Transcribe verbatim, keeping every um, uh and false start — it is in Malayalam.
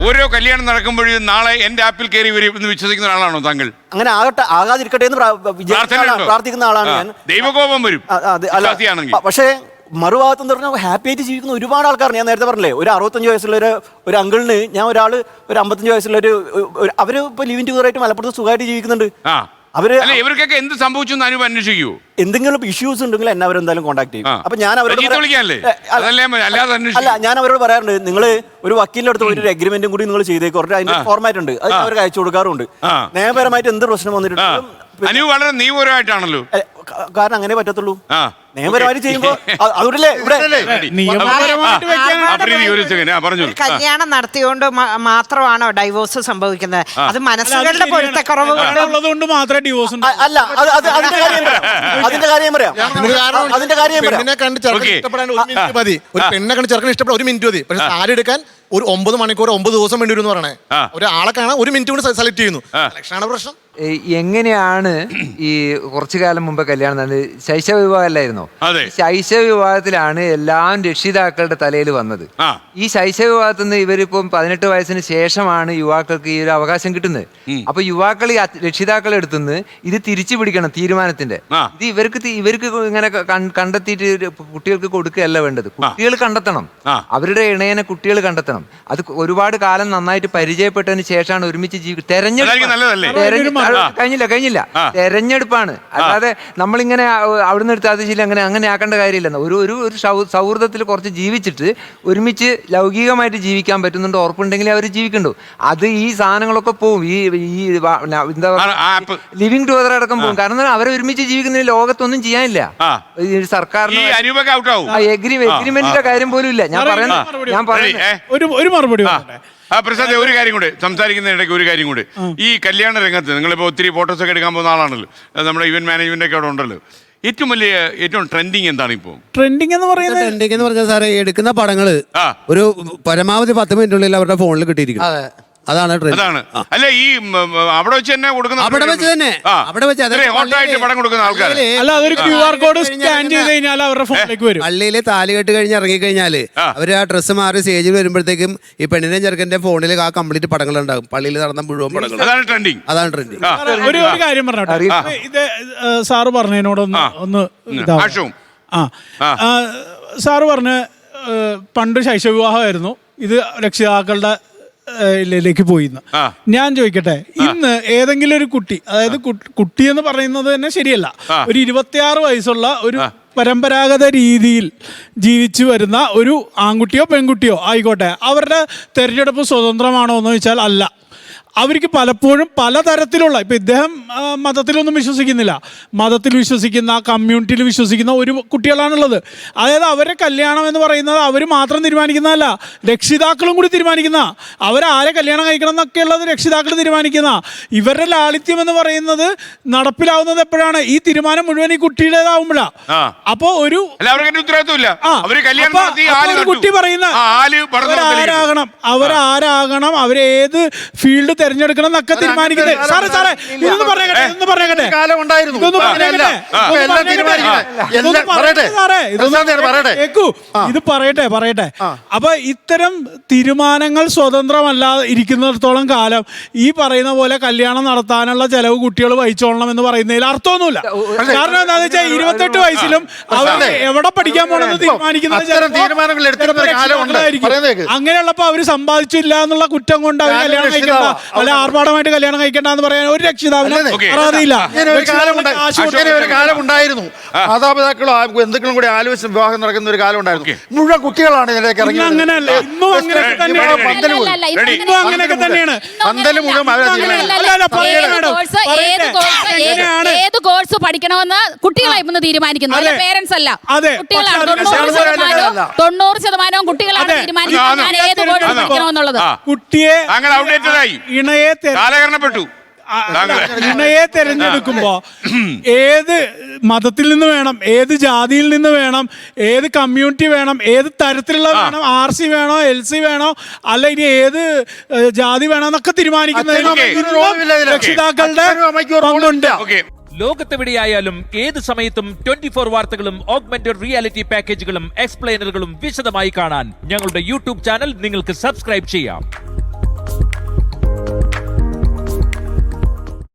ഓരോ കല്യാണം നടക്കുമ്പോഴും നാളെ എന്റെ ആപ്പിൽ കയറി വരും എന്ന് വിശ്വസിക്കുന്ന ആളാണോ താങ്കൾ? അങ്ങനെ ആകട്ടെ, ആകാതിരിക്കട്ടെ എന്ന് പ്രാർത്ഥിക്കുന്ന ആളാണ് ഞാൻ. ദൈവകോപം വരും പക്ഷേ മറുഭാഗത്ത് എന്ന് പറഞ്ഞാൽ ഹാപ്പി ആയിട്ട് ജീവിക്കുന്ന ഒരുപാട് ആൾക്കാർ. ഞാൻ നേരത്തെ പറഞ്ഞില്ലേ, ഒരു അറുപത്തഞ്ച് വയസ്സുള്ള ഒരു ഒരു അങ്കിളിന് ഞാൻ ഒരാൾ ഒരു അമ്പത്തഞ്ച് വയസ്സുള്ള ഒരു അവർ ഇപ്പൊ ലിവിങ് ടുഗറായിട്ട് മലപ്പുറത്ത് സുഖമായിട്ട് ജീവിക്കുന്നുണ്ട്. അവര് ഇവർക്കൊക്കെ എന്ത് സംഭവിച്ചു അനുഭവം അന്വേഷിക്കൂ. എന്തെങ്കിലും ഇഷ്യൂസ് ഉണ്ടെങ്കിൽ എന്നെ അവരെന്തായാലും കോൺടാക്ട് ചെയ്യും. അപ്പൊ ഞാൻ അവരോട് അല്ല ഞാൻ അവരോട് പറയാറുണ്ട്, നിങ്ങൾ ഒരു വക്കീലിന്റെ അടുത്ത് ഒരു അഗ്രിമെന്റും കൂടി നിങ്ങൾ ചെയ്തേക്കും, കുറച്ച് അതിന്റെ ഫോർമാറ്റ് ഉണ്ട്, അത് അവർക്ക് അയച്ചു കൊടുക്കാറുണ്ട്. നിയമപരമായിട്ട് എന്ത് പ്രശ്നം വന്നിട്ടുണ്ടെങ്കിലും വളരെ നിയമപരമായിട്ടാണല്ലോ, കാരണം അങ്ങനെ പറ്റത്തുള്ളൂ. നിയമപരമായിട്ട് ചെയ്യുമ്പോ അതുകൊണ്ടല്ലേ ഇവിടെ കല്യാണം നടത്തിയോണ്ട് മാത്രമാണോ ഡൈവോഴ്സ് സംഭവിക്കുന്നത്? അത് മനസ്സുകളുടെ പൊരുത്തക്കുറവ് കൊണ്ട് മാത്രമേ ഡിവോഴ്സ് അല്ല. അതിന്റെ കാര്യം അതിന്റെ കാര്യം പറയാം അതിന്റെ കാര്യം പെണ്ണിനെ കണ്ട് ചെറുക്കൻ ഇഷ്ടപ്പെടാൻ ഒരു മിനിറ്റ് മതി. ഒരു പെണ്ണെ കണ്ട് ചെറുക്കൻ ഇഷ്ടപ്പെടാൻ ഒരു മിനിറ്റ് മതി. പക്ഷെ സാരി എടുക്കാൻ ഒരു ഒമ്പത് മണിക്കൂർ ഒമ്പത് ദിവസം വേണ്ടി വരും എന്ന് പറയണേ. ഒരാളെ കാണാൻ ഒരു മിനിറ്റ് കൊണ്ട് സെലക്ട് ചെയ്യുന്നു. സെലക്ഷനാണ് പ്രശ്നം. എങ്ങനെയാണ് ഈ കുറച്ചു കാലം മുമ്പ് കല്യാണം നടന്നത്? ശൈശവ വിവാഹമല്ലായിരുന്നോ? ശൈശവ വിവാഹത്തിലാണ് എല്ലാം രക്ഷിതാക്കളുടെ തലയിൽ വന്നത്. ഈ ശൈശവ വിവാഹത്തിൽ നിന്ന് ഇവരിപ്പം പതിനെട്ട് വയസ്സിന് ശേഷമാണ് യുവാക്കൾക്ക് ഈ ഒരു അവകാശം കിട്ടുന്നത്. അപ്പൊ യുവാക്കൾ ഈ രക്ഷിതാക്കളെ അടുത്തുനിന്ന് ഇത് തിരിച്ചു പിടിക്കണം തീരുമാനത്തിന്റെ. ഇത് ഇവർക്ക് ഇവർക്ക് ഇങ്ങനെ കണ്ടെത്തിയിട്ട് കുട്ടികൾക്ക് കൊടുക്കുകയല്ല വേണ്ടത്. കുട്ടികൾ കണ്ടെത്തണം, അവരുടെ ഇണയനെ കുട്ടികൾ കണ്ടെത്തണം. അത് ഒരുപാട് കാലം നന്നായിട്ട് പരിചയപ്പെട്ടതിന് ശേഷമാണ് ഒരുമിച്ച് ജീവിക്കുക. തെരഞ്ഞെടുപ്പ് കഴിഞ്ഞില്ല കഴിഞ്ഞില്ല തെരഞ്ഞെടുപ്പാണ്. അല്ലാതെ നമ്മളിങ്ങനെ അവിടുന്ന് എടുത്ത് അത് ശരി അങ്ങനെ അങ്ങനെ ആക്കേണ്ട കാര്യമില്ല. ഒരു ഒരു ഒരു സൗഹൃദത്തിൽ കുറച്ച് ജീവിച്ചിട്ട് ഒരുമിച്ച് ലൗകികമായിട്ട് ജീവിക്കാൻ പറ്റുന്നുണ്ട് ഉറപ്പുണ്ടെങ്കിൽ അവർ ജീവിക്കണ്ടു. അത് ഈ സാധനങ്ങളൊക്കെ പോവും, ഈ ഈ എന്താ പറയുക ലിവിങ് ടുഗദർ അടക്കം പോകും. കാരണം അവരെ ഒരുമിച്ച് ജീവിക്കുന്ന ലോകത്തൊന്നും ചെയ്യാനില്ല. സർക്കാരിന് എഗ്രിമെന്റിന്റെ കാര്യം പോലും ഇല്ല. ഞാൻ പറയുന്നത് ഞാൻ പറയുന്നത് ഒരു മറുപടി ആ പ്രസാദ്, ഒരു കാര്യം കൂടെ സംസാരിക്കുന്നതിനിടയ്ക്ക് ഒരു കാര്യം കൂടെ. ഈ കല്യാണ രംഗത്ത് നിങ്ങളിപ്പോൾ ഒത്തിരി ഫോട്ടോസ് ഒക്കെ എടുക്കാൻ പോകുന്ന ആളാണല്ലോ, നമ്മുടെ ഇവന്റ് മാനേജ്മെന്റ് ഒക്കെ അവിടെ ഉണ്ടല്ലോ. ഏറ്റവും വലിയ ഏറ്റവും ട്രെൻഡിങ് എന്താണ് ഇപ്പോൾ? ട്രെൻഡിങ് എന്ന് പറയുന്നത് ട്രെൻഡിങ് എന്ന് പറഞ്ഞാൽ സാറേ എടുക്കുന്ന പടങ്ങള് ഒരു പരമാവധി പത്ത് മിനിറ്റിനുള്ളിൽ അവരുടെ ഫോണിൽ കിട്ടിയിരിക്കും. അതാണ് അതാണ് അല്ല ഈ അവിടെ വെച്ച് തന്നെ കൊടുക്കുന്ന അവിടെ വെച്ച് തന്നെ അവിടെ വെച്ച് പടം കൊടുക്കുന്ന ആൾക്കാർ അല്ല, അതൊരു ക്യു ആർ കോഡ് സ്കാൻ ചെയ്ത് കഴിഞ്ഞാൽ അവരുടെ ഫോണിലേക്ക് വരും. പള്ളിയിൽ താലി കെട്ട് കഴിഞ്ഞ് ഇറങ്ങി കഴിഞ്ഞാല് അവര് ആ ഡ്രസ്സ് മാറി സ്റ്റേജിൽ വരുമ്പോഴത്തേക്കും ഈ പെണ്ണിന്റെ ചെറുക്കന്റെ ഫോണിൽ ആ കംപ്ലീറ്റ് പടങ്ങൾ ഉണ്ടാകും. പള്ളിയിൽ നടന്ന മുഴുവൻ പടങ്ങൾ. അതാണ് ട്രെൻഡിങ്. അതാണ് ട്രെൻഡിങ്. ഒരു കാര്യം പറഞ്ഞോട്ടെ, ഇത് സാറ് പറഞ്ഞതിനോടൊന്ന് ഒന്ന് ആ സാറ് പറഞ്ഞ പണ്ട് ശൈശവ വിവാഹമായിരുന്നു, ഇത് രക്ഷിതാക്കളുടെ ിലേക്ക് പോയിന്ന്. ഞാൻ ചോദിക്കട്ടെ, ഇന്ന് ഏതെങ്കിലും ഒരു കുട്ടി, അതായത് കുട്ടി എന്ന് പറയുന്നത് തന്നെ ശരിയല്ല, ഒരു ഇരുപത്തിയാറ് വയസ്സുള്ള ഒരു പരമ്പരാഗത രീതിയിൽ ജീവിച്ചു വരുന്ന ഒരു ആൺകുട്ടിയോ പെൺകുട്ടിയോ ആയിക്കോട്ടെ, അവരുടെ തെരഞ്ഞെടുപ്പ് സ്വതന്ത്രമാണോ എന്ന് ചോദിച്ചാൽ അല്ല. അവർക്ക് പലപ്പോഴും പലതരത്തിലുള്ള, ഇപ്പം ഇദ്ദേഹം മതത്തിലൊന്നും വിശ്വസിക്കുന്നില്ല, മതത്തിൽ വിശ്വസിക്കുന്ന കമ്മ്യൂണിറ്റിയിൽ വിശ്വസിക്കുന്ന ഒരു കുട്ടികളാണുള്ളത്. അതായത് അവരെ കല്യാണം എന്ന് പറയുന്നത് അവർ മാത്രം തീരുമാനിക്കുന്നതല്ല, രക്ഷിതാക്കളും കൂടി തീരുമാനിക്കുന്ന, അവരാരെ കല്യാണം കഴിക്കണം എന്നൊക്കെ ഉള്ളത് രക്ഷിതാക്കൾ തീരുമാനിക്കുന്ന. ഇവരുടെ ലാളിത്യം എന്ന് പറയുന്നത് നടപ്പിലാവുന്നത് എപ്പോഴാണ്? ഈ തീരുമാനം മുഴുവൻ ഈ കുട്ടിയുടേതാവുമ്പോഴാണ്. അപ്പോ ഒരു കുട്ടി പറയുന്ന അവരാരാകണം അവരാരാകണം അവരേത് ഫീൽഡ് തെരഞ്ഞെടുക്കണം എന്നൊക്കെ തീരുമാനിക്കുന്നത്. സാറേ സാറേ ഇതൊന്ന് പറഞ്ഞേക്കട്ടെ ഇതൊന്ന് പറഞ്ഞേക്കട്ടെ കേക്കൂ, ഇത് പറയട്ടെ പറയട്ടെ അപ്പൊ ഇത്തരം തീരുമാനങ്ങൾ സ്വതന്ത്രമല്ലാതെ ഇരിക്കുന്നിടത്തോളം കാലം ഈ പറയുന്ന പോലെ കല്യാണം നടത്താനുള്ള ചെലവ് കുട്ടികൾ വഹിച്ചോളണം എന്ന് പറയുന്നതിൽ അർത്ഥമൊന്നുമില്ല. കാരണം എന്താണെന്ന് വെച്ചാൽ ഇരുപത്തെട്ട് വയസ്സിലും അവർ എവിടെ പഠിക്കാൻ പോണെന്ന് തീരുമാനിക്കുന്നത് അങ്ങനെയുള്ളപ്പോ അവര് സമ്പാദിച്ചില്ല എന്നുള്ള കുറ്റം കൊണ്ട് അവർ കല്യാണം കഴിക്കണ്ട, അല്ല ആർഭാടമായിട്ട് കല്യാണം കഴിക്കണ്ടെന്ന് പറയാൻ ഒരു രക്ഷിതാവിനും അർഹതയില്ല. ഒരു കാലം ഉണ്ടായിരുന്നു, മാതാപിതാക്കളോ എന്തെങ്കിലും കൂടി ആലോചിച്ച് വിവാഹം നടക്കുന്ന ഒരു കാലം ഉണ്ടായിരുന്നു. മുഴുവൻ കുട്ടികളാണ് ഇതിലേക്ക് ഇറങ്ങി. അങ്ങനെയല്ല, ഇന്നും അങ്ങനെയൊക്കെ തന്നെയാണ്. ഏത് കോഴ്സ് പഠിക്കണമെന്ന് കുട്ടികളായി തീരുമാനിക്കുന്നു, പേരൻസ് അല്ല. കുട്ടികളാണ് തൊണ്ണൂറ് ശതമാനവും കുട്ടികളാണ് തീരുമാനിക്കുന്നത് ഏത് കോഴ്സ് പഠിക്കണമെന്നുള്ളത്. കുട്ടിയെ ഇണയെ കാലഹരണപ്പെട്ടു ഇണയെ തെരഞ്ഞെടുക്കുമ്പോ ഏത് മതത്തിൽ നിന്ന് വേണം, ഏത് ജാതിയിൽ നിന്ന് വേണം, ഏത് കമ്മ്യൂണിറ്റി വേണം, ഏത് തരത്തിലുള്ള വേണം, ആർ സി വേണോ എൽ സി വേണോ അല്ല ഇനി ഏത് ജാതി വേണോ എന്നൊക്കെ തീരുമാനിക്കുന്നതിന് രക്ഷിതാക്കളുടെ പങ്കുണ്ട്. ലോകത്തെവിടെയായാലും ഏത് സമയത്തും ട്വന്റി ഫോർ വാർത്തകളും ഓഗ്മെന്റഡ് റിയാലിറ്റി പാക്കേജുകളും എക്സ്പ്ലെയിനറുകളും വിശദമായി കാണാൻ ഞങ്ങളുടെ യൂട്യൂബ് ചാനൽ നിങ്ങൾക്ക് സബ്സ്ക്രൈബ് ചെയ്യാം.